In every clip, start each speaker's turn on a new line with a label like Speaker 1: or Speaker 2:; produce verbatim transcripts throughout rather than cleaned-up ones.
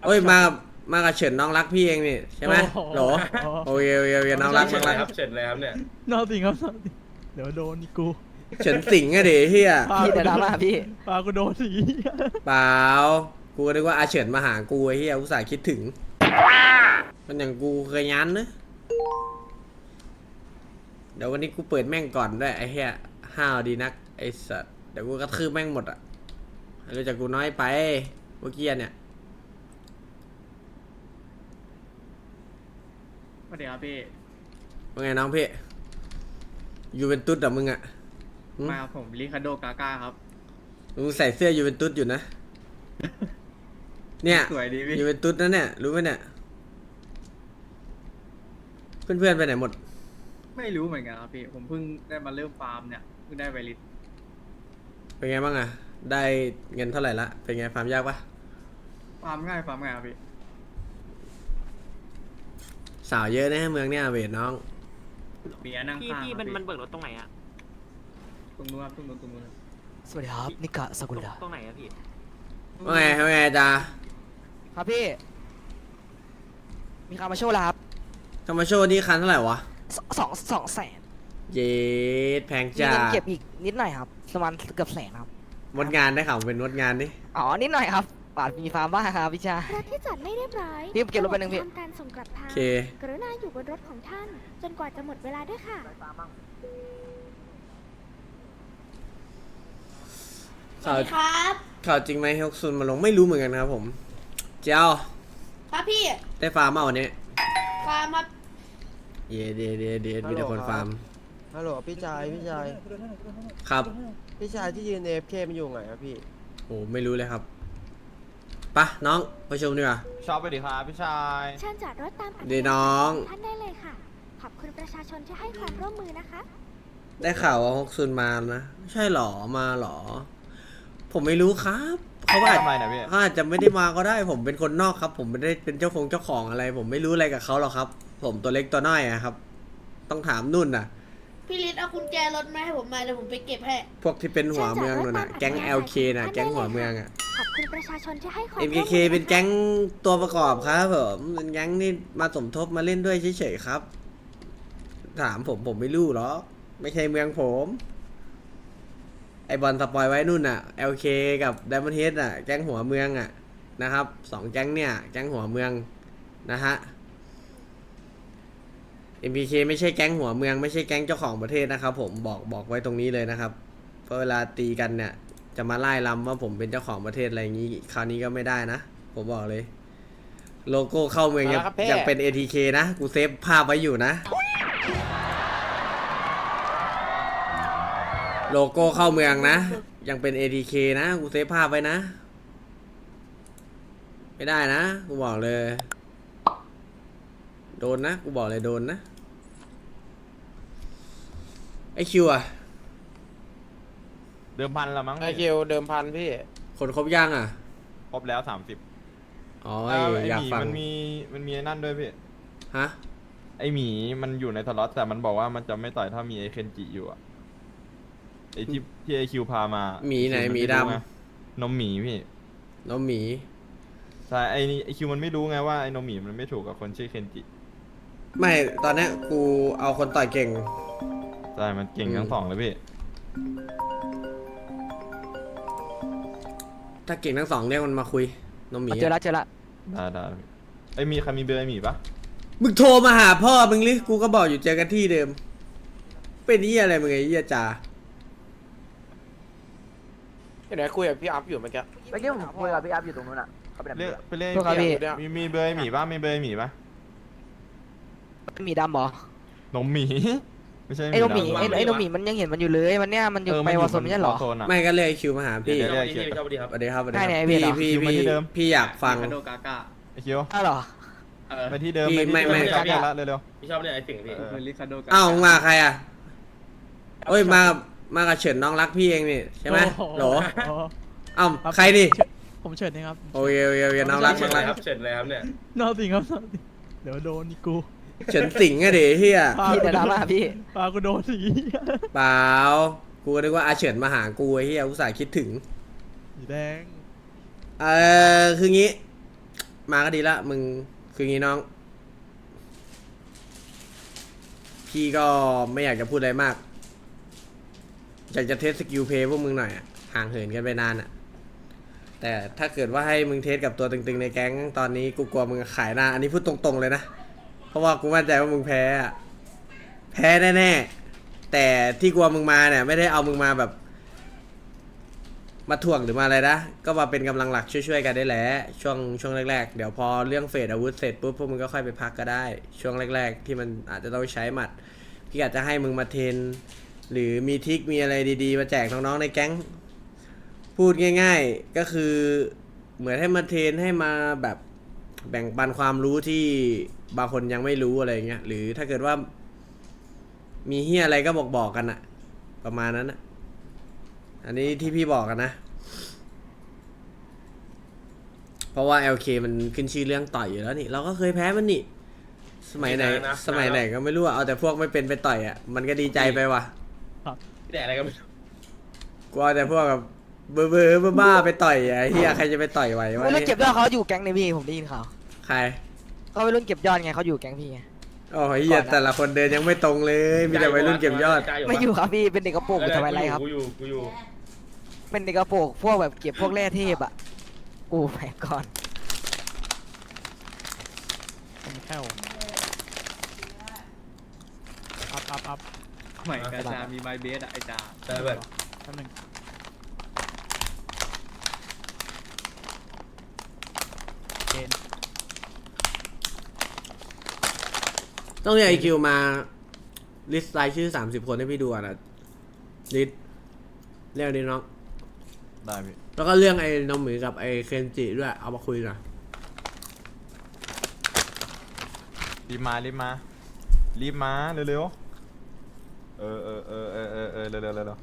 Speaker 1: โอ้ยมามากับเฉินน้องรักพี่เองนี่ใช่ไหมโหลโอเคโอเคโอเคน้องรักน้องรัก
Speaker 2: ครับเฉินเลยครับเนี่ย
Speaker 3: นอนสิครับนอนสิเดี๋ยวโดนกู
Speaker 1: เฉินสิงไงเดี๋ยวเฮีย
Speaker 4: พี่แต่ดราม่าพี่
Speaker 3: ปากูโดนสี
Speaker 1: เปล่ากูนึกว่าอาเฉินมาหากูไอ้เฮียอุตส่าห์คิดถึงมันอย่างกูเคยยันนะเดี๋ยววันนี้กูเปิดแม่งก่อนด้วยไอ้เฮียห้าวดีนักไอ้สัสเดี๋ยวกูกระทืบแม่งหมดอ่ะรู้จักกูน้อยไปเมื่อกี้เนี่ย
Speaker 5: สวัสดีครับพี่
Speaker 1: ว่าไงน้องพี่ยูเวนตุสเหรอมึงอ่ะหึ
Speaker 5: มาผมลิคาโดกาก้าครับ
Speaker 1: มึงใส่เสื้อยูเวนตุสอยู่นะ เนี่ย
Speaker 5: สวยดีพี่
Speaker 1: ยูเวนตุสนะเนี่ยรู้ไหมเนี่ยเพื่อนๆไปไหนหมด
Speaker 5: ไม่รู้เหมือนกันครับพี่ ผมเพิ่งได้มาเริ่มฟาร์มเนี่ยเพิ่งได้ไวริส
Speaker 1: เป็นไงบ้างอ่ะได้เงินเท่าไหร่ละเป็นไงฟาร์มยากปะ
Speaker 5: ฟาร์มง่ายฟาร์มง่ายครับพี่
Speaker 1: สาวเยอะนะเมืองเนี่ยเวทน้อง
Speaker 5: เบียร์นั่ง
Speaker 6: พี่
Speaker 5: ข้าง
Speaker 6: พี่
Speaker 5: ค
Speaker 6: มั
Speaker 5: รับ
Speaker 6: นมันเบิกรถตรงไหนอะ
Speaker 5: ตรงนู้นครับตรงนู้นตรงนู้นครับ
Speaker 4: สวัสดีครับนิกะสกุลดา
Speaker 6: ตรงไหนอะพี่
Speaker 1: ว่าไงว่าไงจ้า
Speaker 4: ครับพี่ มีคามาโชว์แล้วครับ
Speaker 1: ธรรมโชว์นี่คันเท่าไหร่วะ
Speaker 4: สสองสองแสน
Speaker 1: เย็ดแพง
Speaker 4: มี
Speaker 1: จ้า
Speaker 4: เงินเก็บอีกนิดหน่อยครับประมาณเกือบแสนครับ
Speaker 1: มดงานได้ข่าวเป็นมดงานนี่
Speaker 4: อ๋อนิดหน่อยครับบาทมีฟาร์มบ้างครับพี่ชาย
Speaker 7: รถที่จอดไม่เรียบร้อย
Speaker 4: พี่เก็บรถไปหนึ่งพี่
Speaker 7: ทำการส่งกลับทา
Speaker 1: โอง เค
Speaker 7: กรุณาอยู่บนรถของท่าน จนกว่าจะหมดเวลาด้วยค่ะ
Speaker 1: ข่าว
Speaker 8: ครับ
Speaker 1: ข่าวจริงไหมฮกซุนมาลงไม่รู้เหมือนกันครับผมเจ้า
Speaker 8: ครับพี่
Speaker 1: ได้ฟาร์มมาวันนี้
Speaker 8: ฟาร์มครับ
Speaker 1: เย่เดเดเดมีแต่คนฟาร์ม
Speaker 9: ฮัลโหลพี่ชายพี่ชาย
Speaker 1: ครับ
Speaker 9: พี่ชายที่ยืน เอ เอฟ เค มันอยู่ไหนครับพี่
Speaker 1: โอ้ไม่รู้เลยครับปะน้องไปชมดีกว่า
Speaker 2: ชอบไปดิครับพี่ชาย
Speaker 7: เชิญจอดรถตามอัธยาศัย
Speaker 1: เดี๋ยวน้อง
Speaker 7: ขท่านได้เลยค่ะ ขอบคุณประชาชนที่ให้ความร่วมมือนะคะ
Speaker 1: ได้ข่าวว่าฮกซุนมานะใช่หรอมาหรอ ผมไม่รู้ครับเขาอาจ
Speaker 2: ทำไมนะพี่
Speaker 1: เขาอาจจะไม่ได้มาก็ได้ ผมเป็นคนนอกครับ ผมไม่ได้เป็นเจ้าของเจ้าของอะไร ผมไม่รู้อะไรกับเขาหรอกครับ ผมตัวเล็กตัวน้อยอะครับ ต้องถามนุ่นน่ะ
Speaker 8: พี่ลิศเอากุญแจรถมาให้ผมมาเดี๋ยวผมไปเก็บให้
Speaker 1: พวกที่เป็นหัวเมืองนู่นน่ะแก๊ง แอล เค น่ะแก๊งหัวเมืองอะ
Speaker 7: ขอบคุณประชาชนที่ให้ความ
Speaker 1: เอ็
Speaker 7: ร่
Speaker 1: ม
Speaker 7: วม
Speaker 1: เค
Speaker 7: มื
Speaker 1: เคเป็นแก๊งตัวประกอบครับผมเป็นแก๊งนี่มาสมทบมาเล่นด้วยเฉยๆครับ ถามผมผมไม่รู้หรอกไม่ใช่เมืองผม ไอบอลสปอยไว้นู่นน่ะ แอล เค กับ Diamond Head อ่ะแก๊งหัวเมืองอ่ะนะครับสองแก๊งเนี่ยแก๊งหัวเมืองนะฮะ เอ็ม พี เค ไม่ใช่แก๊งหัวเมืองไม่ใช่แก๊งเจ้าของประเทศนะครับผมบอกบอกไว้ตรงนี้เลยนะครับเพราะเวลาตีกันเนี่ยจะมาไล่ลำว่าผมเป็นเจ้าของประเทศอะไรอย่างนี้คราวนี้ก็ไม่ได้นะผมบอกเลย โลโก้เข้าเมืองยัง
Speaker 9: มาแล้วครับเพ่
Speaker 1: ยังเป็น เอ ที เค นะกูเซฟภาพไว้อยู่นะ โลโก้เข้าเมืองนะ ยังเป็น เอ ที เค นะกูเซฟภาพไว้นะ ไม่ได้นะกูบอกเลย โดนนะกูบอกเลยโดนนะไอคิวอะ
Speaker 2: เดิมพันละมั้ง
Speaker 9: ไอคิวเดิมพันพี่
Speaker 1: คนครบย่างอะ
Speaker 2: ครบแล้วสามสิบ
Speaker 1: อ๋อ
Speaker 2: ไอ
Speaker 1: อยาก
Speaker 2: หมี
Speaker 1: ฟัง
Speaker 2: มันมีมันมีไอ้นั่นด้วยพี่
Speaker 1: ฮะ
Speaker 2: ไอหมีมันอยู่ในสล็อตแต่มันบอกว่ามันจะไม่ต่อยถ้ามีไอเคนจิอยู่อะไอที่ที่ไอคิวพามา
Speaker 1: หมีไหน
Speaker 2: คิว
Speaker 1: หมี
Speaker 2: ไรู้
Speaker 1: ดำ
Speaker 2: ไงนมหมีพี่
Speaker 1: น้องหมี
Speaker 2: ใช่ไอนี่ไอคิวมันไม่รู้ไงว่าไอนมหมีมันไม่ถูกกับคนชื่อเคนจิ
Speaker 1: ไม่ตอนเนี้ยกูเอาคนต่อยเก่ง
Speaker 2: ใช่มันเก่ง
Speaker 1: อืม
Speaker 2: ทั้งสองเลยพี่
Speaker 1: ถ้าเก่งทั้งสองเรียกมันมาคุยน้องหมี
Speaker 4: เจอ
Speaker 1: อะ
Speaker 4: ละเจอละ
Speaker 2: ได้ได้พี่ไอยมีใครมีเบอร์ไอหมีปะ
Speaker 1: มึงโทรมาหาพ่อมึงลิกูก็บอกอยู่เจอกันที่เดิม เป็นนี่อะไรมึงไอ้เหี้ยจ่า
Speaker 9: เห็นไหมคุยกับพี่อัพอยู่เมื่อกี้
Speaker 4: เมื่อกี้ผมคุยกับพี่อัพอยู่ตรงนู้นอ่ะเขาไปไหน
Speaker 2: เรียกไปเรียก
Speaker 4: พวกเขาพี่
Speaker 2: มีมีเบอร์ไอหมีปะมีเบอร์ไอหมีปะ
Speaker 4: มีดำเหรอน
Speaker 2: มหมี ไม่ใช่
Speaker 4: ไอ้นมหมี
Speaker 2: ดำ
Speaker 4: ไอ้ไอ้นมหมีมันยังเห็นมันอยู่เลยมันเนี่ยมันอยู่
Speaker 2: เออ
Speaker 4: ไป
Speaker 2: มัน
Speaker 4: วอร์โซนไม่ใช่เหรอ
Speaker 2: วอร์โซนอะ
Speaker 1: ไม่ก็เรียกไอ้คิวมาหาพี่
Speaker 2: เดี๋ยว
Speaker 1: ส
Speaker 2: เรียกไอ้คิว
Speaker 1: วัสดีครับสวัสดี
Speaker 4: ใช่
Speaker 1: ค
Speaker 4: ไหน
Speaker 1: รับ
Speaker 4: ไอ้เวี
Speaker 1: พี่
Speaker 4: ยเหรอ
Speaker 1: พี่
Speaker 2: คิวมาที่
Speaker 1: พี่
Speaker 2: เดิม
Speaker 1: พี่อยากฟัง
Speaker 5: ลิคาโดกาก้า
Speaker 2: ไอคิว
Speaker 4: อ้าวเหรอ
Speaker 5: เออ
Speaker 2: ไปที่เดิม
Speaker 1: พี่
Speaker 2: ไปที่
Speaker 1: ไม่ไม่
Speaker 2: เดิใกล้ๆแล้วเร็ว
Speaker 6: พี่ชอบเนี่ยไอ้สิ่งพี่
Speaker 2: เออ
Speaker 5: คือลิคาโดกาก้า
Speaker 1: อ้าวมึงมาใครอ่ะโอ้ยมามากับเฉินน้องรักพี่เองนี่ใช่ไหมโหลเอ้าใครดิ
Speaker 3: ผมเฉินนะครับ
Speaker 1: โอเคโอเคโอเคน้องรักน้องรัก
Speaker 2: ครับเฉินเลยครับเนี่ย
Speaker 3: นอนสิครับนอนสิเดี๋ยวโดนกู
Speaker 1: เฉินสิงไงเดี๋ยวเฮีย
Speaker 4: พี่แต่ดราม่าพี่
Speaker 3: ปากูโดนสี
Speaker 1: เปล่ากูนึกว่าอาเฉินมาหากูไอ้เฮียอุตส่าห์คิดถึง
Speaker 3: สีแดง
Speaker 1: เออคืองี้มาก็ดีละมึงคืองี้น้อง พี่ก็ไม่อยากจะพูดอะไรมาก อยากจะเทสสกิลเพย์พวกมึงหน่อยอะห่างเหินกันไปนานอะแต่ถ้าเกิดว่าให้มึงเทสกับตัวตึงๆในแก๊งตอนนี้กูกลัวมึงขายหน้า อันนี้พูดตรงๆเลยนะ เพราะว่ากูมั่นใจว่ามึงแพ้อะแพ้แน่ๆแต่ที่กลัวมึงมาเนี่ยไม่ได้เอามึงมาแบบ มาถ่วงหรือมาอะไรนะก็มาเป็นกำลังหลักช่วยๆกันได้แหละช่วงช่วงแรกๆเดี๋ยวพอเรื่องเฟดอาวุธเสร็จปุ๊บพวกมึงก็ค่อยไปพักก็ได้ ช่วงแรกๆที่มันอาจจะต้องใช้หมัดพี่อาจจะให้มึงมาเทรนหรือมีทริคมีอะไรดีๆมาแจกน้องๆในแก๊งพูดง่ายๆก็คือเหมือนให้มาเทรนให้มาแบบแบ่งปันความรู้ที่บางคนยังไม่รู้อะไรเงี้ยหรือถ้าเกิดว่ามีเฮียอะไรก็บอกบอกกันอะประมาณนั้นอะอันนี้ที่พี่บอกกันนะ เพราะว่า แอล เค มันขึ้นชื่อเรื่องต่อยอยู่แล้วนี่ เราก็เคยแพ้มันนี่ สมัยไหน สมัยไหนก็ไม่รู้อะเอาแต่พวกไม่เป็นไปต่อยอะมันก็ดีใจไปว่ะ
Speaker 6: แต่อะไรก็ไม่รู้
Speaker 1: กูเอาแต่พวกแบบเบอร์เบอร์บ้าๆไปต่อยอะเฮียใครจะไปต่อยไหววะ
Speaker 4: ไม่รุ่นเก็บยอดเขาอยู่แก๊งในพี่ผมได้ยินข่าว
Speaker 1: ใคร
Speaker 4: เขาไปรุ่นเก็บยอดไงเขาอยู่แก๊งพี่ไง
Speaker 1: โอ้ยเฮียแต่ละคนเดินยังไม่ตรงเลย มีแต่วัยรุ่นเก็บยอด
Speaker 4: ไม่อยู่ครับพี่เป็นเด็กกระโปรงอยู่ทำไมไรครับ
Speaker 6: กูอยู่กูอยู่
Speaker 4: เป็นเด็กกระโปรงพวกแบบเก็บพวกแร่เทพอ่ะกูแพ้ก่อน
Speaker 3: ผมแค่วอัพอัพอัพ
Speaker 5: ใหม่กาชามีไมเบสอะไอจ่า
Speaker 6: แต่แบบ
Speaker 3: แป๊บนึงเกณฑ์
Speaker 1: ต้องเรียกไอคิวมาลิสต์รายชื่อสามสิบคนให้พี่ดูอ่ะนะลิสต์เรียกดิน้อง
Speaker 2: ได้พี่
Speaker 1: แล้วก็เรื่องไอ้น้องหมีกับไอ้เคนจิด้วย เอามาคุยหน่อย
Speaker 2: รีบมารีบมารีบมาเร็วๆเออเออเออเออเออเออเร็วเร็วเร็ว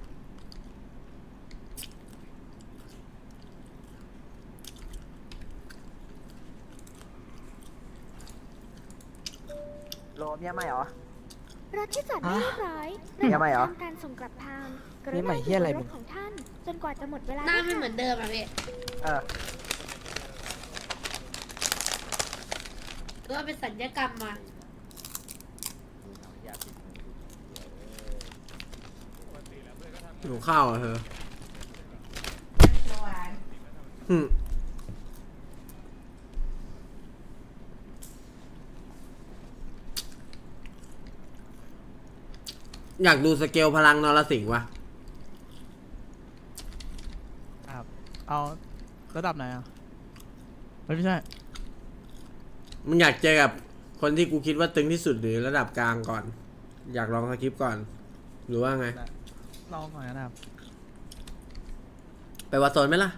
Speaker 4: โลเมียใหม่เหรอ
Speaker 7: รถที่จอดไม่เรียบร้อย
Speaker 4: ฮะยังไม่เหรอ
Speaker 7: ทำการส่งกลับทางกรุ
Speaker 4: นี่
Speaker 7: ณา
Speaker 4: ใหม่เหี้ยอะไร
Speaker 7: ร
Speaker 4: มึ
Speaker 7: ถ
Speaker 4: ง
Speaker 7: ของท่าน จนกว่าจะหมดเวลา
Speaker 8: หน้าไม่เหมือนเดิมอ่ะพี่
Speaker 4: เออ
Speaker 8: หรือว่าเป็นสัญญกรรมมา
Speaker 1: หิวข้าวอ่ะเธออืมอยากดูสเกลพลังนรสิงห์วะ
Speaker 3: ครับเอาระดับไหนอ่ะเฮ้ยไม่ใช่
Speaker 1: มึงอยากเจอกับคนที่กูคิดว่าตึงที่สุดหรือระดับกลางก่อน อยากลองสคริปต์ก่อน หรือว่าไง
Speaker 3: ลองก่อนนะครับ
Speaker 1: ไปวัดโซนไหมล่ะ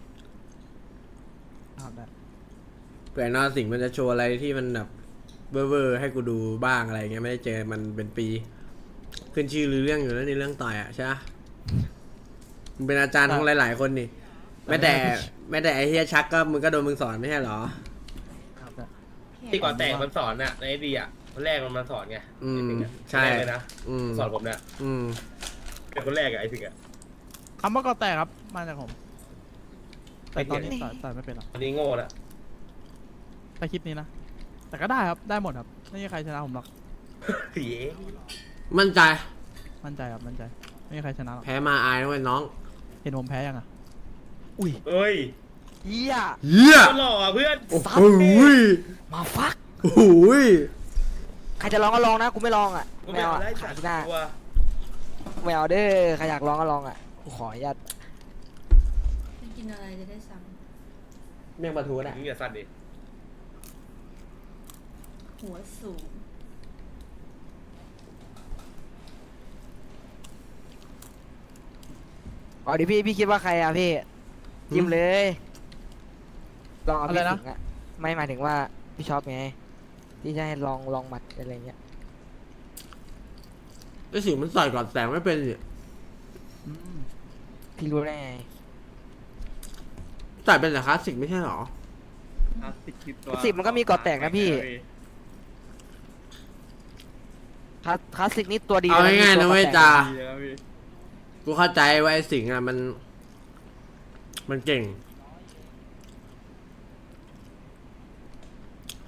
Speaker 3: ครับได้
Speaker 1: เผื่อนรสิงห์มันจะโชว์อะไรที่มันแบบเวอร์ๆให้กูดูบ้างอะไรเงี้ยไม่ได้เจอมันเป็นปี ขึ้นชื่อหรือเรื่องอยู่แล้วในเรื่องต่อยอ่ะใช่ปะมึงเป็นอาจารย์ของหลายๆคนนี่แม้แต่แม้แต่ไอ้เฮียชักก็มึงก็โดนมึงสอนไม่ใช่เหรอ
Speaker 3: ครับได้
Speaker 6: ที่ก่อนแต่งมันสอนน่ะในไอดีอ่ะคนแรกมันมาสอนไง
Speaker 1: อืม
Speaker 6: ไอ้สิงห์อะ
Speaker 1: ใช่
Speaker 6: คนแรกเลยนะ
Speaker 1: อืม
Speaker 6: สอนผมเนี่ย
Speaker 1: อืม
Speaker 6: เป็นคนแรกอะไอ้สิงห์อะ
Speaker 3: คำว่าก่อแตกครับมาจากผม แต่ตอนนี้ต่อยต่อยไม่เป็นหรอก
Speaker 6: อันนี้โง่ละ
Speaker 3: แต่คลิปนี้นะ แต่ก็ได้ครับได้หมดครับไม่มีใครชนะผมหรอก
Speaker 6: เฮ้ย
Speaker 1: มั่นใจ
Speaker 3: มั่นใจครับมั่นใจไม่มีใครชนะหรอก
Speaker 1: แพ้มาอายนะเว้ยน้อง
Speaker 3: เห็นผมแพ้ยังอ่ะอุ้ย
Speaker 6: เอ้ย
Speaker 4: เฮีย
Speaker 1: เฮีย
Speaker 6: ก็หล่ออะเพื่อน
Speaker 1: โอ้
Speaker 4: ซั
Speaker 1: โห
Speaker 4: ด
Speaker 1: ย
Speaker 4: มาฟัก
Speaker 1: โอ้โหย
Speaker 4: ใครจะลองก็ลองนะกูไม่ลองอ่ะ
Speaker 6: กู
Speaker 4: ไม่
Speaker 6: ไม่
Speaker 4: เอา
Speaker 6: เอา
Speaker 4: อะ
Speaker 6: ได้
Speaker 4: ขา
Speaker 6: จั
Speaker 4: ย
Speaker 6: ด
Speaker 4: ที่หน้า
Speaker 6: ตัว
Speaker 4: ไม่เอาเด้อใครอยากลองก็ลองอ่ะกูขออนุญาต
Speaker 8: กินอะไรจะได้ซ้
Speaker 1: เมี่ยงปลาทูได้
Speaker 6: มึงอย่าสั่นดิ
Speaker 8: ำหัวสูง
Speaker 4: อ๋อดิพี่พี่คิดว่าใครอ่ะพี่ยิ้มเลยลองเอาพี่สิงห์อ่ะไม่หมายถึงว่าพี่ชอบไงที่จะให้ลองลองหมัดอะไรเงี้ย
Speaker 1: ไอ้สิงมันต่อยก่อนแสงไม่เป็นสิ
Speaker 3: อืม
Speaker 4: พี่รู้ได้ไง
Speaker 1: ต่อยเป็นแต่คลาสสิกไม่ใช่หรอ
Speaker 5: คลาสสิกคือตัว
Speaker 4: สิบมันก็มีก่อแตกนะพี่ คลาสคลาสสิกนี่ตัวดี
Speaker 1: เอาง่ายๆนะเว้ย
Speaker 4: ตัว
Speaker 1: จ้า
Speaker 5: ดีเลยนะพี่
Speaker 1: กูเข้าใจว่าไอ้สิงห์อ่ะมัน มันเก่ง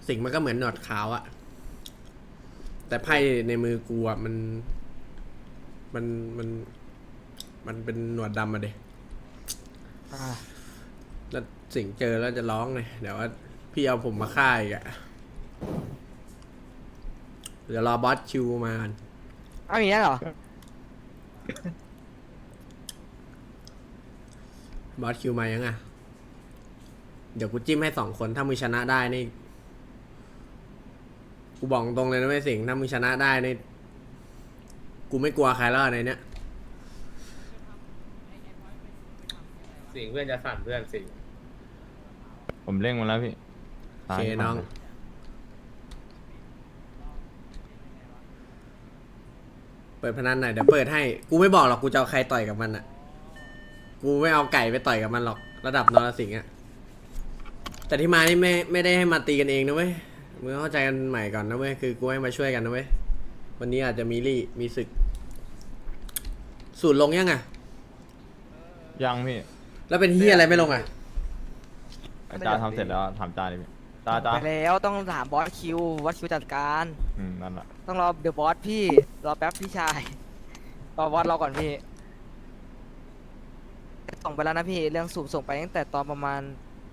Speaker 1: สิงห์มันก็เหมือนหนวดขาวอะแต่ไพ่ในมือกูอะมัน มันมัน มันเป็นหนวดดำอะเด็
Speaker 4: อ่า
Speaker 1: แล้วสิงห์เจอแล้วจะร้องเลยเดี๋ยวว่าพี่เอาผมมาฆ่าอีกอะเดี๋ยวรอบอสคิวมากัน
Speaker 4: เอาอย่างนี้เหรอ
Speaker 1: บอสคิวมายังอะเดี๋ยวกูจิ้มให้สองคนถ้ามึงชนะได้นี่กูบอกตรงเลยนะไม่สิงห์ถ้ามึงชนะได้นี่กูไม่กลัวใครแล้วในเนี้ย
Speaker 6: สิงเพื่อนจะสั่นเพื่อนสิง
Speaker 2: ผมเร่งมาแล้วพี่
Speaker 1: โอเคน้องเปิดพนันหน่อยเดี๋ยวเปิดให้กูไม่บอกหรอกกูจะเอาใครต่อยกับมันอะกูไม่เอาไก่ไปต่อยกับมันหรอกระดับนรสิงห์อะแต่ที่มานี่ไม่ไม่ได้ให้มาตีกันเองนะเว้ยมึงเข้าใจกันใหม่ก่อนนะเว้ยคือกูให้มาช่วยกันนะเว้ยวันนี้อาจจะมีรี่มีศึกสูตรลงยังอะ
Speaker 2: ยังพี่
Speaker 1: แล้วเป็นเฮียอะไรไม่ลงอะ
Speaker 2: อาจารย์ทำเสร็จแล้วถามจานเลยพี่จานจาน
Speaker 4: ไปแล้วต้องถามบอสคิวบอสคิวจัดการ
Speaker 2: อืมนั่นแหละ
Speaker 4: ต้องรอเดอะบอสพี่รอแป๊บพี่ชายรอบอสรอก่อนพี่ส่งไปแล้วนะพี่เรื่องสูบส่งไปตั้งแต่ตอนประมาณ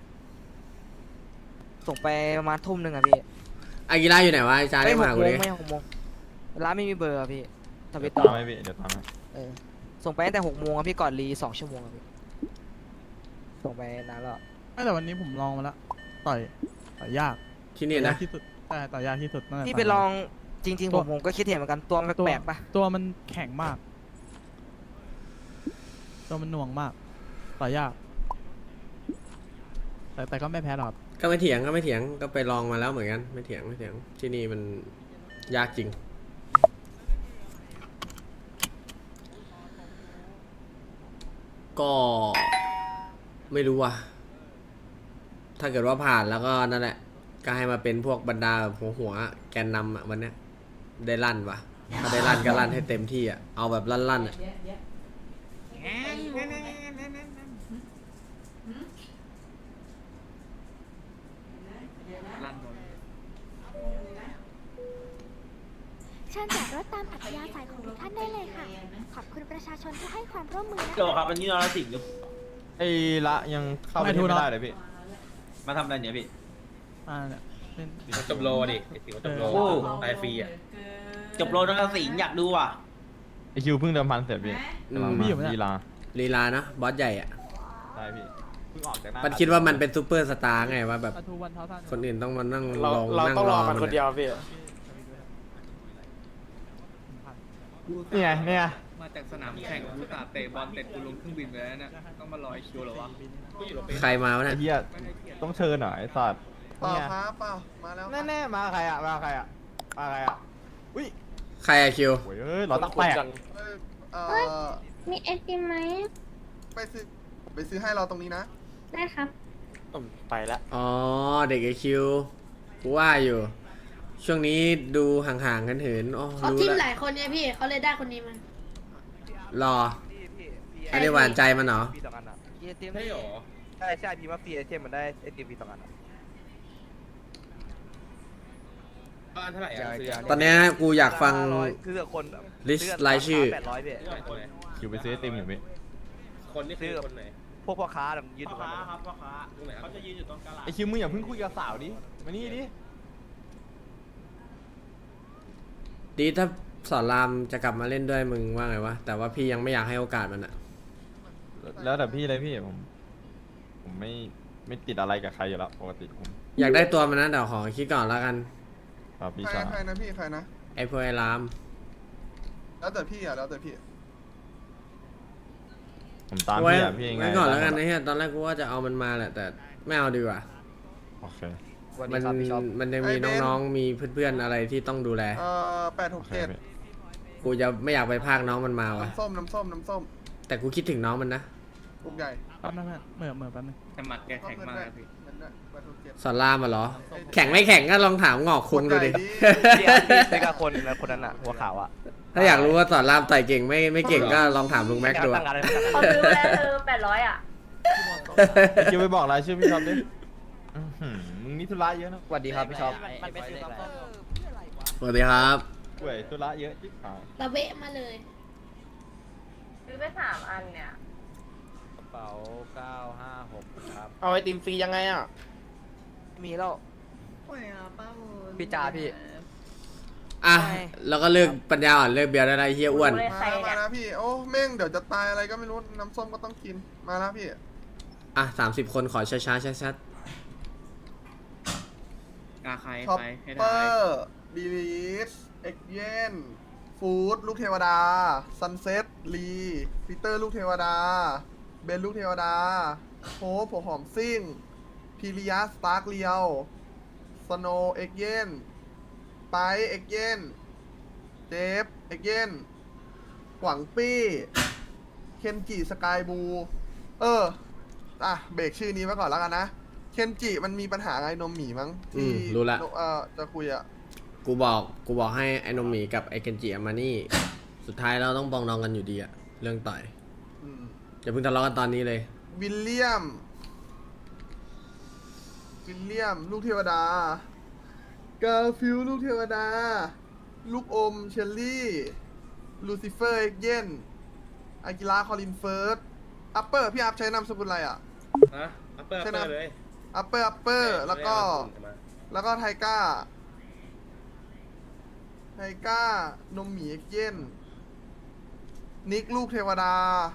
Speaker 4: ส่งไปประมาณทุ่มหนึ่งอะพี่
Speaker 1: อากิระอยู่ไหนวะไอ้จา
Speaker 4: ไม่
Speaker 1: ได้
Speaker 4: ห
Speaker 1: มาก กู
Speaker 4: โม
Speaker 1: ดิ
Speaker 4: งไม่หกโมงร้านไม่มีเบอร์อะพี่ทวิต
Speaker 2: ตา
Speaker 4: ต่อ
Speaker 2: มให้พี่เดี๋ยวตามให้
Speaker 4: เออส่งไปตั้งแต่หกโมงอะพี่ก่อนรีสองชั่วโมงอะพี่ส่งไปนานแล้ว
Speaker 3: ไม่แต่วันนี้ผมลองมาแล้วต่อยต่อยยาก
Speaker 1: ที่นี่
Speaker 3: ต่อยยา
Speaker 1: นะ
Speaker 3: กที่สุดใช่ต่อยยากที่สุดตั้งแต่
Speaker 4: พี่
Speaker 3: ต่
Speaker 4: ไป
Speaker 3: ยมา
Speaker 4: ลองจริงๆผมผมก็คิดเห็นเหมือนกันตัวมัน
Speaker 3: ตัว
Speaker 4: แปลกๆปะ
Speaker 3: ตัวมันแข็งมาก ตัวมันหน่วงมาก ต่อยยาก แต่แต่ก็ไม่แพ้หรอกครับ
Speaker 1: ก็ไม่เถียงก็ไม่เถียงก็ไปลองมาแล้วเหมือนกันไม่เถียงไม่เถียงที่นี่มันยากจริง ก็ไม่รู้ว่ะถ้าเกิดว่าผ่านแล้วก็นั่นแหละก็ให้มาเป็นพวกบรรดาแบบหัวหัวๆแกนนำอ่ะวันเนี้ยได้ลั่นว่ะถ้าได้ลั่นก็ลั่นให้เต็มที่อ่ะเอาแบบลั่นๆอ่ะ
Speaker 5: ลั่นหมด
Speaker 7: เชิญจอดรถตามอัธยาศัยของทุกท่านได้เลยค่ะ ขอบคุณประชาชนที่ให้ความร่วมมือนะ
Speaker 6: โจครับวันนี้นรสิงห์
Speaker 2: ไอ้ละยังเข้าไป
Speaker 3: ไม่ถู
Speaker 2: ที่
Speaker 3: ก
Speaker 2: ไม่
Speaker 3: เนอะ
Speaker 2: ได้เลยพี่
Speaker 5: มาทำอะไรเนี่ยพี่
Speaker 3: อ่าเนี่ยเล่น
Speaker 6: จบโลดิไอ้สิงห์จบโล
Speaker 3: โอ้
Speaker 6: ตายฟรีอ่ะ
Speaker 5: จบโลนรสิงห์อยากดูอ่ะ
Speaker 2: ไอคิวเพิ่งเดิมพันเสร็จพี่
Speaker 1: อื
Speaker 2: กำลัง
Speaker 1: ม
Speaker 2: มา
Speaker 3: พี่อยู่ไหมเนี่ย
Speaker 2: ลีลา
Speaker 1: ลีลาเนาะบอสใหญ่อ่ะ
Speaker 2: ใช่พี่เพิ่งออกจากหน้า
Speaker 1: มันคิดว่ามันเป็นซูเปอร์สตาร์ไงว่าแบบ
Speaker 3: ปลาทูวันเท้าท่าน
Speaker 1: คนอื่นต้องมานั่ง
Speaker 9: เรา
Speaker 1: ลอง
Speaker 9: เรา
Speaker 1: นั่ง
Speaker 9: ต้อง
Speaker 1: ร
Speaker 9: ร
Speaker 1: อ
Speaker 9: อมัน
Speaker 1: มั
Speaker 9: คน
Speaker 1: น
Speaker 9: เดียว
Speaker 1: อะ
Speaker 9: พี่
Speaker 2: เนี่ยเนี่ย
Speaker 5: มาจากสนามแข่งกูตาเตะบอลเตะกูลงเครื่องบินไปแล้วเนี่ยต้องมารอไอคิวเหรอวะ
Speaker 1: ใครมาวะ
Speaker 2: ไอ้
Speaker 1: เนี่ย
Speaker 2: เหี้ยต้องเชิญหน่อยไอ้สัตว์
Speaker 9: เปล่า
Speaker 2: เนี่ย
Speaker 9: ครับเปล่ามาแล้ว
Speaker 2: แน่ๆมาใครอ่ะมาใครอ่ะมาใครอ่ะอุ้ย
Speaker 1: ใครอะคิว
Speaker 2: โอ้ยเอ้ยเราต้องแปลก
Speaker 9: เออ
Speaker 8: มีไอติมไหม
Speaker 9: ไปซื้อไปซื้อให้เราตรงนี้นะ
Speaker 8: ได้ครับ
Speaker 9: ไปละ
Speaker 1: อ๋อเด็กไอคิวกูว่าอยู่ ช่วงนี้ดูห่างๆกันเหินอ๋อ
Speaker 8: เขา
Speaker 1: รู้
Speaker 8: ทีมห
Speaker 1: แล้ว
Speaker 8: ลายคนเนี่ยพี่เขาเลยได้คนนี้มา
Speaker 1: รออันนี้หวานใจมันเหรอ
Speaker 9: พี่สองอันอ่ะ
Speaker 4: เยเต็ม
Speaker 6: ใช่หรอ
Speaker 9: ใช่ใช่พี่มาฟรีไอเทมมันได้ไอติมพี่สองอันอ่ะ
Speaker 6: บ้านเท่าไหร่อ่ะซื้อ
Speaker 1: ตอนเนี้ยกูอยากฟัง
Speaker 9: คือคน
Speaker 1: ลิสต์รายชื่อ
Speaker 9: แปดร้อยพี่
Speaker 6: คนไหน
Speaker 2: คิวไปซื้อไอติมอยู่พี่
Speaker 6: คนนี่คือคนไหน
Speaker 9: พวกพ่อค้าแบบยืนอยู่กัน
Speaker 6: ตรงไหนครับ
Speaker 2: ไอคิวมึงอย่าเพิ่งคุยกับสาวดิมานี่ดิ
Speaker 1: ดีถ้าสอนรามจะกลับมาเล่นด้วยมึงว่าไงวะ แต่ว่าพี่ยังไม่อยากให้โอกาสมันอะ
Speaker 2: แล้วแต่พี่เลยพี่ผม ผมไม่ไม่ติดอะไรกับใครอยู่แล้วปกติผม
Speaker 1: อยากได้ตัวมันนะเดี๋ยวขอคิดก่อนแล้วกัน
Speaker 2: ครับพี่
Speaker 9: ใคร
Speaker 2: ชาย
Speaker 9: ใครนะพี่ใครนะ
Speaker 1: ไอ้พวกไอ้ราม
Speaker 9: แล้วแต่พี่อ่ะแล้วแต่พี่
Speaker 2: ผมตาม
Speaker 1: ไว้
Speaker 2: พี่อ่ะพี่ยังไง
Speaker 1: ไว้ก่อนแล้วกันนะเฮียตอนแรกกูว่าจะเอามันมาแหละ แต่ไม่เอาดีกว่า
Speaker 2: โอเค
Speaker 1: มันมันยังมีน้องๆ มีเพื่อนๆ อะไรที่ต้องดูแล
Speaker 9: เอ่อแปดห
Speaker 2: โอก เค
Speaker 9: เจ็ด
Speaker 2: พี่
Speaker 1: กูจะไม่อยากไปพากน้องมันมาวะ
Speaker 9: น้ำส้มน้ำส้มน้ำส้ม
Speaker 1: แต่กูคิดถึงน้องมันนะ
Speaker 9: ลูกใหญ่
Speaker 3: แป๊บนึงนะเหมื่อเหมื่อแป๊บนึง
Speaker 5: แต่หมัดแกแข็งมากนะพี่
Speaker 9: เงินด้วยแปดหกเจ็ด
Speaker 1: สอนรามมาเหรอ แข่งไม่แข่งก็ลองถามงอกคุงดูดิ
Speaker 9: เดี๋ยวพี่ใช่กับคนคนนั้นอ่ะหัวขาวอ่ะ
Speaker 1: ถ้าอยากรู้ว่าสอนรามต่อยเก่งไม่ไม่เก่งก็ลองถามลุงแม็กดูอะ
Speaker 8: เขาซื้อมาแล้วเธอแปดร้อยอ่ะ
Speaker 2: ไอคิวไปบอกรายชื่อพี่ท็อปดิอื้อหือมึงนี้ธุระเยอะนะ
Speaker 9: สวัสดีครับพี่ชอบ
Speaker 4: มันเป็นซื้อซัมซุง
Speaker 1: สวัสดีครับ
Speaker 2: ป่วยธุระเยอะจิ๊บหาย
Speaker 8: ระเบะมาเลย
Speaker 10: ซื้อไปสามอันเนี่ย
Speaker 9: กระเป๋าเก้าห้าหกครับ
Speaker 6: เอาไอติมฟรียังไงอ่ะ
Speaker 4: มีแล้ว
Speaker 9: พี่จ่าพี่
Speaker 1: อ่ะ
Speaker 4: ไม่
Speaker 1: แล้วก็เลิกปัญญาอ่อนเลิกเบียร์ได้ไรเฮียอ้วน
Speaker 10: เลย
Speaker 9: มา
Speaker 10: ใคร
Speaker 9: แล้วมา
Speaker 10: เนี่ย
Speaker 9: แล้วพี่ โอ้แม่งเดี๋ยวจะตายอะไรก็ไม่รู้ น้ำส้มก็ต้องกิน มาแล้วพี่
Speaker 1: อ่ะสามสิบคนขอช้าช้าช้าชัด
Speaker 5: กาใคร
Speaker 9: ท็อป
Speaker 5: ใครให้
Speaker 9: เป
Speaker 5: ได้
Speaker 9: อร์ดีลิสเอ็กเยนฟูดลูกเทวดา ซันเซ็ตลีปีเตอร์ลูกเทวดา เบนลูกเทวดาโฮปหัวหอมซิ่งพีริยาสตาร์กเลียวสโนเอ็กเยนไปเอ็กเยนเจฟเอ็กเยนหวังปี้ เคนจิสกายบู เออ อ่ะ เบรกชื่อนี้ไว้ก่อนแล้วกันนะ เคนจิมันมีปัญหาไงนมหมีมั้ง
Speaker 1: อื
Speaker 9: ที่
Speaker 1: มรู้ละ
Speaker 9: เออจะคุยอะ
Speaker 1: กูบอกกูบอกให้ไอ้นมหมีกับไอ้เกนจิเอามานี่ สุดท้ายเราต้องปองดองกันอยู่ดีอะเรื่องต่อย
Speaker 9: อืม
Speaker 1: อย่าเพิ่งทะเลาะกันตอนนี้เลย
Speaker 9: วิลเลียม วิลเลียม ลูกเทวดา กาฟิลลูกเทวดา ลูกอม เชลลี่ ลูซิเฟอร์ เอ็กเยนอากิระคอลินเฟิร์ส อัปเปอร์ พี่อัพใช้นามสกุลอะไรอ่ะ
Speaker 6: ฮะอัปเปอร์อัป
Speaker 9: ใช่
Speaker 6: เป
Speaker 9: นะ
Speaker 6: อร์เลย
Speaker 9: อัปเปอร์ อัปเปอร์ แล้วก็ แล้วก็ไทก้า ไทก้า นมหมีเอ็กเยนนิกลูกเทวดา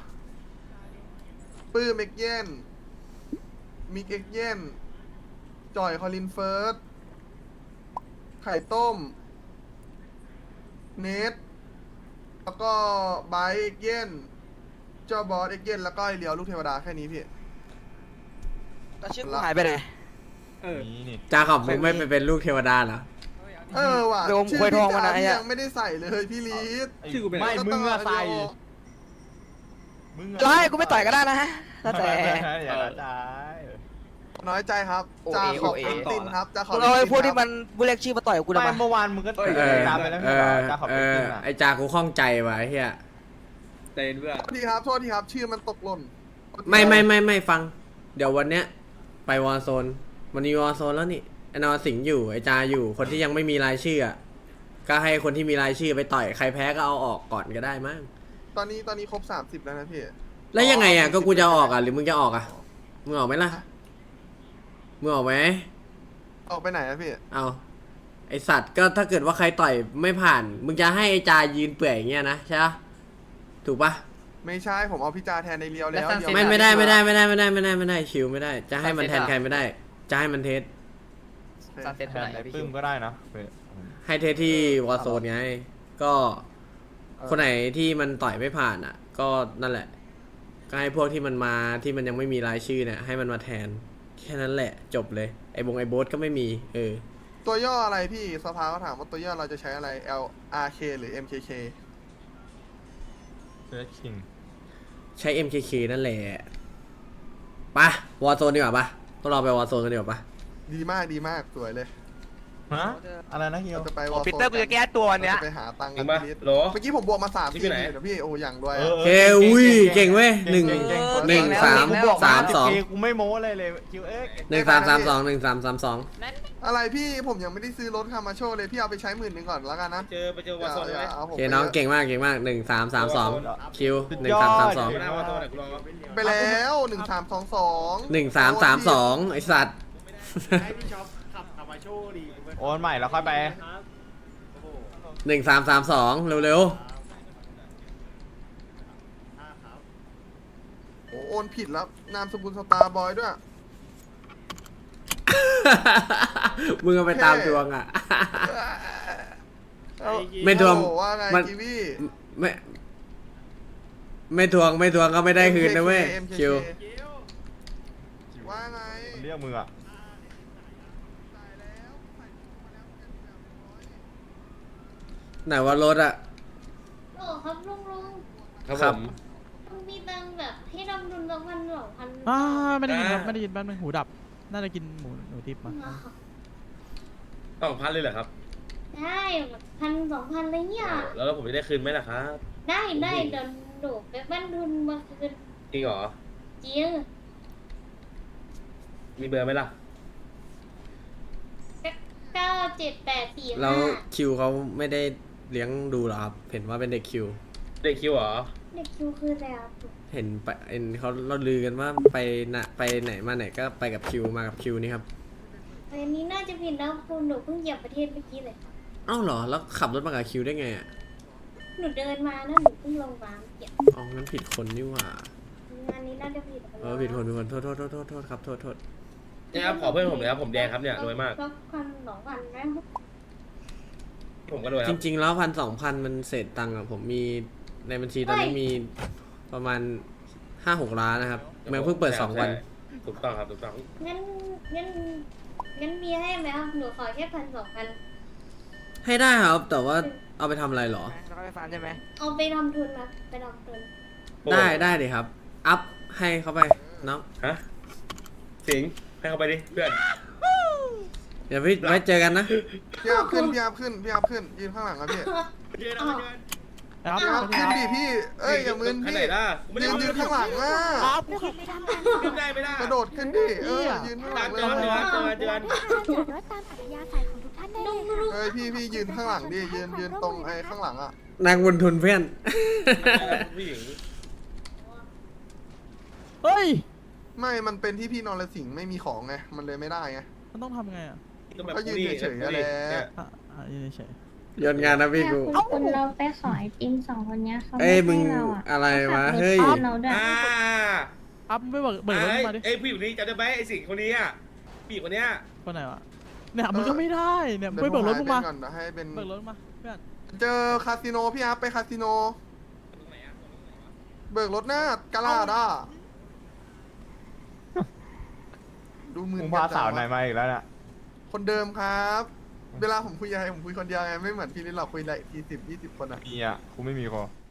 Speaker 9: ปื้มเอ็กเยนมิกเอ็กเยนจอยคอลินเฟิร์ส ไข่ต้ม เนท แล้วก็ไบร์ทเอ็กเยนเจ้าบอสเอ็กเยนแล้วก็ไอเลียวลูกเทวดาแค่นี้พี่
Speaker 4: แล้วชื่อกูหายไปไหน
Speaker 5: เออ
Speaker 2: นี่นี่
Speaker 1: จ้าขอบมึงไม่ไปเป็นลูกเทวดาเหรอ
Speaker 9: เออว่ะ
Speaker 4: โดม
Speaker 9: ชื่
Speaker 4: ควยทองมานะ
Speaker 9: พี่
Speaker 4: ไอ้
Speaker 9: จ๋า
Speaker 4: อะ
Speaker 9: ยังไม่ได้ใส่เลยพี่ลีด
Speaker 5: ชื่อกูเป็น
Speaker 2: ไม่
Speaker 5: อะไร
Speaker 2: มึงอะใส่มึงอะ
Speaker 4: จะให้กูไม่ต่อยก็ได้นะแล้วแต่
Speaker 2: อย่าละใจ
Speaker 9: น้อยใจครับ
Speaker 4: โอเอ
Speaker 9: จ่าขอบ
Speaker 4: โอเอ
Speaker 9: คุณตินครับจ่าขอบ
Speaker 4: กู
Speaker 9: คุณ
Speaker 4: เอาไอ้
Speaker 9: ติน
Speaker 4: พวกที่
Speaker 9: ครับ
Speaker 4: มันบุเล็กชื่อมาต่อยกับกูทำ
Speaker 2: ไม่
Speaker 4: ไม
Speaker 2: เมื่อวานมึงก็
Speaker 1: เออ
Speaker 2: ตามไปแล้ว
Speaker 1: เอ
Speaker 2: ไม่
Speaker 1: อ
Speaker 2: ใช่เหรอจ้าขอบ
Speaker 1: เอ
Speaker 2: คุณ
Speaker 1: อ
Speaker 2: จริงอะ
Speaker 1: ไอ้จากูข้องใจว่ะไอ้เฮีย
Speaker 5: เตนเพื่อน
Speaker 9: โทษทีครับโทษทีครับชื่อมันตกหล่น
Speaker 1: ไม่ไม่ไม่ไม่ฟัง เดี๋ยววันเนี้ยไปวอร์โซนวันนี้วอร์โซนแล้วนี่ไอ้นอนสิงห์อยู่ไอ้จาอยู่คนที่ยังไม่มีรายชื่ออะก็ให้คนที่มีรายชื่อไปต่อยใครแพ้ก็เอาออกก่อนก็ได้มั้ง
Speaker 9: ตอนนี้ตอนนี้ครบสามสิบแล้วนะพี่
Speaker 1: แล้วยังไงอ่ะก็กูจะออกอ่ะหรือมึงจะออกอ่ะมึงออกไหมล่ะมึงออกไหม
Speaker 9: ออกไปไหนอะพี่
Speaker 1: เอาไอสัตว์ก็ถ้าเกิดว่าใครต่อยไม่ผ่าน มึงจะให้ไอจายืนเปื่อยอย่างเงี้ยนะใช่ปะถูกปะ
Speaker 9: ไม่ใช่ผมเอาพี่จาแทนในเลียวแล้ว
Speaker 4: แล้ว
Speaker 9: เลียว
Speaker 1: ไม่ไม่ได้ไม่ได้ไม่ได้ไม่ได้ไม่ได้ไม่ได้ชิวไม่ได้ จะให้มันแทนใครไม่ได้ จะให้มันเทส
Speaker 9: โอเค
Speaker 4: เซ็ต
Speaker 2: แท
Speaker 4: เท่าน ไหร่
Speaker 2: ไอ้
Speaker 4: พี่
Speaker 2: ปึ้
Speaker 4: คิ
Speaker 2: ม
Speaker 4: ว
Speaker 2: ก็ได้นะเออ
Speaker 1: ให้เทสที่วอร์โซนไงก็คนไหนที่มันต่อยไม่ผ่านอ่ะ ก็นั่นแหละ ก็ให้พวกที่มันมาที่มันยังไม่มีรายชื่อเนี่ยให้มันมาแทนแค่นั้นแหละจบเลยไอ้บงไอ้โบ๊ทก็ไม่มีเออ
Speaker 9: ตัวย่ออะไรพี่สภาเขาถามว่าตัวย่อเราจะใช้อะไร L R K หรือ M K K
Speaker 2: เสือคิง
Speaker 1: ใช้ เอ็ม เค เค นั่นแหละปะวอร์โซนดีกว่าปะต้องเราไปวอร์โซนกันดีกว่าปะ
Speaker 9: ดีมากดีมากสวยเลย
Speaker 2: ฮะอะไรนะเฮีย
Speaker 9: เราจะไปว
Speaker 4: โอ้
Speaker 9: อล
Speaker 4: ปีเตอร์กูจะแก้ตัวเนี้ย
Speaker 9: ไปหาตังค์
Speaker 6: จ
Speaker 9: กั
Speaker 6: ริ
Speaker 9: น
Speaker 6: งป่ะ
Speaker 9: พี่ลิศ
Speaker 6: โหล
Speaker 9: เมื่อกี้ผมบวกมาสาม
Speaker 6: นี่
Speaker 9: สี่
Speaker 6: คือไหน
Speaker 9: เดี๋ยวพี่โอ้อย่างด้วย
Speaker 2: เอ
Speaker 9: อะ
Speaker 2: อ
Speaker 1: เคอุ้ยเก่งเว้ยหนึ่ง
Speaker 2: เก่งเก่ง
Speaker 1: หนึ่งสามสามสอง
Speaker 2: กูไม่โม้เลยเลยคิวเอ็ก
Speaker 1: หนึ่งสามสามสองหนึ่งสามสามสอง
Speaker 9: อะไรพี่ผมยังไม่ได้ซื้อรถคามาโชว์เลยพี่เอาไปใช้หมื่นหนึ่งก่อนแล้วกันนะ
Speaker 6: เจอไปเจอวอร์โซน
Speaker 9: อย่า
Speaker 6: ไหม
Speaker 9: อย่าเอาผม
Speaker 1: โอเคน้อง
Speaker 9: ไปยะ
Speaker 1: เก่งมากเก่งมากหนึ่งสามสามสองคิวหนึ่งสามสามสอง
Speaker 6: ไม่ได้วอร์โซนไหนกูรอ
Speaker 9: ไปแล้วหนึ่งสามสองสอง
Speaker 1: หนึ่งสามสามสองไอสัตว์
Speaker 5: ให้พี่ช็อปขับขับมาโชว์ดี
Speaker 2: โอนใหม่แล้วค่อยไป
Speaker 1: หนึ่งสามสามสองเร็ว
Speaker 9: โอ้โอนผิดแล้วนามสกุลสตาร์บอยด้วย
Speaker 1: ๆ มึงเอาไปตามดวงอ่ะ
Speaker 9: เอา
Speaker 1: ไม่ทวง
Speaker 9: โอ้ว่าไง
Speaker 1: มัน
Speaker 9: กีวี
Speaker 1: ไม่ไม่ทวงไม่ทวงก็ไม่ได้คืนนะเว้ย
Speaker 9: M K K
Speaker 1: คิว
Speaker 9: ว่าไง
Speaker 2: เรียกมึงอะ
Speaker 1: ไหนว่ารถอ่ะ
Speaker 8: โอ้ครับลุงลุง
Speaker 6: ครับ
Speaker 1: ค
Speaker 6: ผ
Speaker 1: รับ
Speaker 6: ม
Speaker 8: ลุงมีตังค์แบบให้ดำดุลสักพันสองพัน
Speaker 3: อ่าไม่ได้ยินครับ
Speaker 6: อ่า
Speaker 3: ไม่ได้ยินแป๊บนึงหูดับ น่าจะกินหมูหนูทิพย์มา
Speaker 6: สองพันเลยเหรอครับ
Speaker 8: ได้พันสองพันอะไรเงี้ย
Speaker 6: แล้วผมจะได้คืนไหมล่ะครับ
Speaker 8: ได้ได้เดี๋ยวหนูไปบ้านทุนมาคืน
Speaker 6: จริงเหรอ
Speaker 8: จริง
Speaker 6: มีเบอร์ไหมล่ะ
Speaker 8: เก้าเจ็ดแปดสี่
Speaker 1: แล้ว
Speaker 8: ห้า
Speaker 1: คิวเขาไม่ได้เลี้ยงดูเหรอครับ เห็นว่าเป็นเด็กคิว
Speaker 6: เด็กคิวเหรอ
Speaker 8: เด็กคิวคืออะไรครับ
Speaker 1: เห็นไปเห็นเขาเราลือกันว่าไปนะไปไหนมาไหนก็ไปกับคิวมากับคิวนี่ครับ
Speaker 8: อันนี้น่าจะผิดนะคุณหนูเพิ่งเหยียบประเทศเมื่อกี้เลย
Speaker 1: เอ้าเหรอ แล้วขับรถมากับคิวได้ไงอ่ะ
Speaker 8: หนูเดินมานะหนูเพิ่งลงมาเหยียบ
Speaker 1: อ๋องั้นผิดคนนี่หว่า
Speaker 8: งานนี้น่าจะผิด
Speaker 1: เออผิดคนผิดคนโทษโทษโทษโทษโทษครับโทษโทษ
Speaker 6: เนี่ยครับขอเพื่อนผมเลยครับผมแดงครับเนี่ยรวยมาก
Speaker 8: ก็พันสองพันนะ
Speaker 6: ผมก็รวยค
Speaker 1: จ
Speaker 6: รับ
Speaker 1: ริง ๆ แล้วพันสองพันมันเศษตังค์อ่ะผมมีในบัญชีตอนนี้มีประมาณห้าหกล้านนะครับเมืองเพิ่งเปิดสองวัน
Speaker 6: ถูกต้องครับถูกต้อง
Speaker 8: งั้นงั้นงั้นมีให้ไหมครับหนูขอแค่พันสองพัน
Speaker 1: ให้ได้ครับ แต่ว่าเอาไปทำอะไรเหรอ
Speaker 4: แล้วก็ไปฟันใช่ไหม
Speaker 8: เอาไปทำทุนนะไปทำทุน
Speaker 1: ได้ได้เลยครับ อัพให้เขาไปเนาะ
Speaker 6: ฮะสิงห์ให้เขาไปดิเพื่อน
Speaker 1: เดี๋ยวพี่ไว้เจอกันนะ
Speaker 9: พี่อัพขึ้นพี่อัพขึ้นพี่อัพขึ้นยืนข้างหลังครับพี่
Speaker 6: เจอกันเจอกัน
Speaker 3: ครับ
Speaker 9: พี่อัพขึ้นดิพี่เอ้ยอย่ามึน
Speaker 6: ข้าง
Speaker 9: พี่
Speaker 6: ไหนล่ะกูไม่ได้
Speaker 9: ยืนยืนข้างหลังอ่ะ
Speaker 6: ขึ้นได้ไม่ได้
Speaker 9: กระโดดขึ้นดิเออยืนข้างหลังเลย
Speaker 6: เจอกันเจอกันเจอกัน
Speaker 7: เชิญจอดรถตามอัธยาศัยของทุกท่านได้เลยค่ะ
Speaker 9: เอ้ยพี่พี่ยืนข้างหลังดิยืนยืนตรงไอ้ข้างหลังอ่ะ
Speaker 1: นางบุญทุนเพื่อน
Speaker 6: ผู้หญิง
Speaker 3: เฮ้ย
Speaker 9: ไม่มันเป็นที่พี่นรสิงห์ไม่มีของไงมันเลยไม่ได้ไง
Speaker 3: มันต้องทำไงอ่ะ
Speaker 6: ก็แบบ
Speaker 9: ก็ยืน
Speaker 6: ผู้หญิง
Speaker 9: เฉยๆนั่นแหละ
Speaker 6: เนี่ย
Speaker 3: อ่ะอ่ะยืนเฉย
Speaker 1: โยนงานนะพี่กู
Speaker 7: คุณเราไปขอไอติมสองคนนี้เขา
Speaker 1: เอ้ยมึงอะไรวะเฮ้ย
Speaker 7: เราด้วย
Speaker 6: อ่า
Speaker 3: ๆอัพไม่เบิกเบิกรถขึ้นมาดิ
Speaker 6: ไอ้ผู้หญิงคนนี้จำได้ไหมไอ้สิงห์คนนี้อ่ะผู้หญิงคนเนี้ย
Speaker 3: คนไหนวะเนี่ยมึงก็ไม่ได้เนี่ยมึงไปเบิกรถมึงมา
Speaker 9: ก่อนเดี๋ยวให้เป็น
Speaker 3: เบิกรถมาเพื่อน
Speaker 9: เจอคาสิโนพี่อัพไปคาสิโน
Speaker 6: ตรงไหนอ่ะตรงไหนวะ
Speaker 9: เบิกรถหน้ากาลาดอ่ะดูมือ
Speaker 2: มึงพาสาวไหนมาอีกแล้วเนี่ย
Speaker 9: คนเดิมครับ เวลาผมคุยอะไรผมคุยคนเดียวไงไม่เหมือนพี่ลิลหรอกคุยหลายทีสิบยี่สิบคนอ่ะ
Speaker 2: มีอ่ะกูไม่มีคอ